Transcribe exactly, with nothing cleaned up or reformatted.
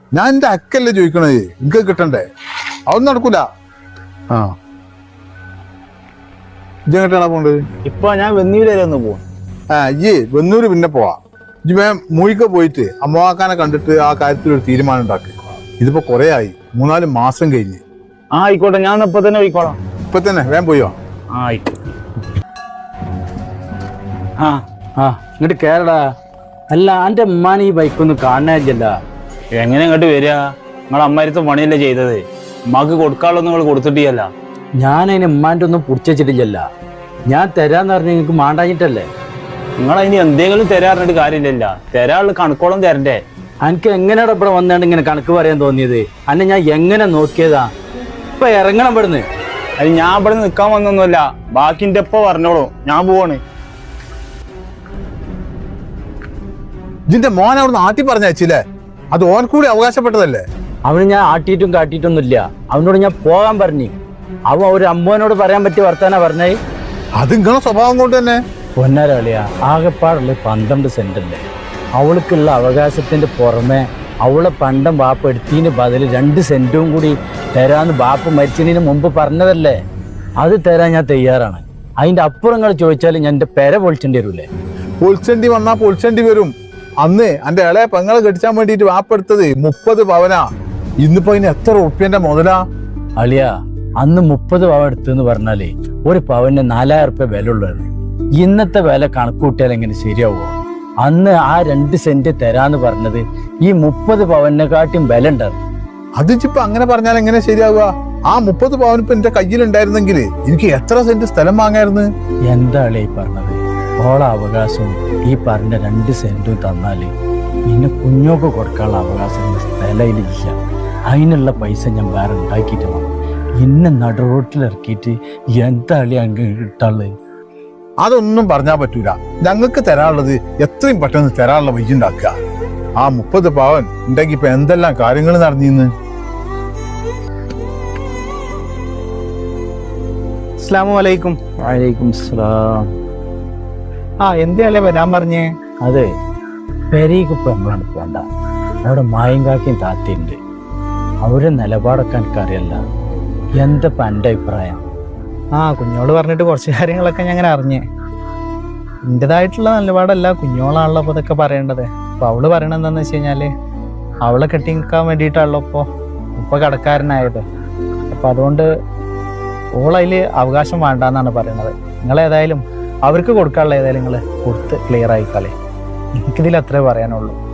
ഞാൻ എന്റെ അക്കല്ലേ ചോദിക്കണേ, എനിക്ക് കിട്ടണ്ടേ? അതൊന്നും നടക്കൂല. ആ ഇജെങ്ങട്ടാണ് പോണ്ട്? ഇപ്പൊ ഞാൻ വെന്നൂര് ഒന്ന് പോവാ. ആ ഇയ്യേ വെന്നൂര് പിന്നെ പോവാ. ഇജ്ജ് വേ മൂഴിക്ക പോയിട്ട് അമ്മവാക്കാനെ കണ്ടിട്ട് ആ കാര്യത്തിൽ ഒരു തീരുമാനം ഉണ്ടാക്കി. ഇതിപ്പോ കൊറേ ആയി, മൂന്നാല് മാസം കഴിഞ്ഞ്. ആ ആയിക്കോട്ടെ, ഞാൻ ഇപ്പൊ തന്നെ പോയിക്കോളാം. ഇപ്പൊ തന്നെ വേഗം പോയോ? ആ ആയിക്കോട്ടെ. ആ ആ ഇങ്ങോട്ട് കേരടാ. അല്ല എന്റെ ഉമ്മാനെ ഈ ബൈക്കൊന്നും കാണാനില്ല. എങ്ങനെ ഇങ്ങോട്ട് വരിക? നിങ്ങളെ അമ്മാരത്തെ പണിയല്ലേ ചെയ്തത്, ഉമ്മാക്ക് കൊടുക്കാനുള്ളത് നിങ്ങൾ കൊടുത്തിട്ടില്ല. ഞാൻ അതിന് ഉമ്മാൻ്റെ ഒന്നും പിടിച്ചിട്ടില്ല. ഞാൻ തരാന്ന് പറഞ്ഞ നിങ്ങൾക്ക് മാണ്ടാഞ്ഞിട്ടല്ലേ. നിങ്ങൾ അതിന് എന്തെങ്കിലും തരാറിഞ്ഞിട്ട് കാര്യമില്ല. തരാനുള്ള കണക്കോളം തരണ്ടേ. എനിക്ക് എങ്ങനെയാണ് ഇവിടെ വന്നാണ്ട് ഇങ്ങനെ കണക്ക് പറയാൻ തോന്നിയത്? അന്നെ ഞാൻ എങ്ങനെ നോക്കിയതാ? ഇപ്പൊ ഇറങ്ങണം ഇവിടുന്ന്. അത് ഞാൻ ഇവിടെ നിൽക്കാൻ വന്നൊന്നുമല്ല, ബാക്കിന്റെ ഇപ്പൊ പറഞ്ഞോളൂ, ഞാൻ പോവാണ്. ഇതിന്റെ മോൻ അവിടെ ആട്ടി പറഞ്ഞയച്ചില്ലേ? അത് ഓൻ കൂടി അവകാശപ്പെട്ടതല്ലേ? അവന് ഞാൻ ആട്ടിയിട്ടും കാട്ടിയിട്ടൊന്നുമില്ല. അവനോട് ഞാൻ പോകാൻ പറഞ്ഞു. അവൻ ഒരു അമ്മോനോട് പറയാൻ പറ്റിയ വർത്താനാ പറഞ്ഞേ. അത് നിങ്ങളെ സ്വഭാവം കൊണ്ട് തന്നെ. പൊന്നാരാളിയാ, ആകെപ്പാടുള്ള പന്ത്രണ്ട് സെന്റ് അല്ലേ. അവൾക്കുള്ള അവകാശത്തിന്റെ പുറമെ അവളെ പണ്ടം ബാപ്പ് എടുത്തതിന് ബദല് രണ്ട് സെന്റും കൂടി തരാന്ന് ബാപ്പ് മരിച്ചതിന് മുമ്പ് പറഞ്ഞതല്ലേ. അത് തരാൻ ഞാൻ തയ്യാറാണ്. അതിന്റെ അപ്പുറം നിങ്ങൾ ചോദിച്ചാൽ ഞാൻ എന്റെ പെര പൊളിച്ചേണ്ടി വരൂലേ? പൊളിച്ചേണ്ടി വന്നാ പൊളിച്ചേണ്ടി വരും. അന്ന് എന്റെ ഇളയ പെങ്ങളെ കെട്ടിച്ചാൻ വേണ്ടിട്ട് വാപ്പെടുത്തത് മുപ്പത് പവനാ. ഇന്നിപ്പോ അതിന് എത്ര ഉറുപ്പ്യന്റെ മുതലാ? അളിയാ, അന്ന് മുപ്പത് പവൻ എടുത്തെന്ന് പറഞ്ഞാലേ ഒരു പവന് നാലായിരം ഉറുപ്പ്യ വില ഉള്ളതാണ്. ഇന്നത്തെ വില കണക്കൂട്ടിയാൽ എങ്ങനെ ശരിയാവോ? അന്ന് ആ രണ്ട് സെന്റ് തരാന്ന് പറഞ്ഞത് ഈ മുപ്പത് പവനെക്കാട്ടും വില ഉണ്ടായിരുന്നു. അതിപ്പോ അങ്ങനെ പറഞ്ഞാൽ എങ്ങനെ ശരിയാവുക? ആ മുപ്പത് പവൻ ഇപ്പൊ എന്റെ കയ്യിലുണ്ടായിരുന്നെങ്കിൽ എനിക്ക് എത്ര സെന്റ് സ്ഥലം വാങ്ങായിരുന്നു. എന്താ അളിയ പറഞ്ഞത്? ഓള അവകാശവും ഈ പറഞ്ഞ രണ്ട് സെന്റും തന്നാല് പിന്നെ കുഞ്ഞോക്ക് കൊടുക്കാനുള്ള അവകാശം സ്ഥലയിലില്ല. അതിനുള്ള പൈസ ഞാൻ വേറെ ഉണ്ടാക്കിയിട്ട് വേണം. ഇന്നെ നടുറോട്ടിലിറക്കിയിട്ട് എന്താ അളിയ അങ്ങ് കിട്ടാള്? അതൊന്നും പറഞ്ഞാൽ പറ്റൂല. ഞങ്ങൾക്ക് തരാനുള്ളത് എത്രയും പെട്ടെന്ന് തരാനുള്ള വഴി ഉണ്ടാക്കുക. ആ മുപ്പത് പവൻ ഉണ്ടെങ്കിൽ ഇപ്പൊ എന്തെല്ലാം കാര്യങ്ങൾ നടന്നിന്ന്. അസ്സലാമു അലൈക്കും. വഅലൈക്കും സലാം. ആ എന്തല്ലേ വരാൻ പറഞ്ഞേ? അതെ, പെരീക്ക് ഇപ്പൊ നമ്മളാണ് പോണ്ട. അവിടെ മായും കാക്കിയും താത്തിയുണ്ട്. അവരുടെ നിലപാടൊക്കെ എനിക്കറിയല്ല. എന്താ എൻ്റെ അഭിപ്രായം? ആ കുഞ്ഞോട് പറഞ്ഞിട്ട് കുറച്ച് കാര്യങ്ങളൊക്കെ ഞാൻ അങ്ങനെ അറിഞ്ഞേ. എൻ്റെതായിട്ടുള്ള നിലപാടല്ല, കുഞ്ഞോളാണല്ലോ അപ്പോൾ ഇതൊക്കെ പറയേണ്ടത്. അപ്പോൾ അവള് പറയണത് എന്താണെന്ന് വെച്ച് കഴിഞ്ഞാൽ അവളെ കെട്ടി നിൽക്കാൻ വേണ്ടിയിട്ടാണല്ലോ ഇപ്പോൾ ഇപ്പോൾ കടക്കാരനായത്. അപ്പോൾ അതുകൊണ്ട് ഓളതിൽ അവകാശം വേണ്ടാന്നാണ് പറയണത്. നിങ്ങളേതായാലും അവർക്ക് കൊടുക്കാനുള്ള ഏതായാലും നിങ്ങൾ കൊടുത്ത് ക്ലിയർ ആയിക്കാളേ. എനിക്കിതിൽ അത്രേ പറയാനുള്ളൂ.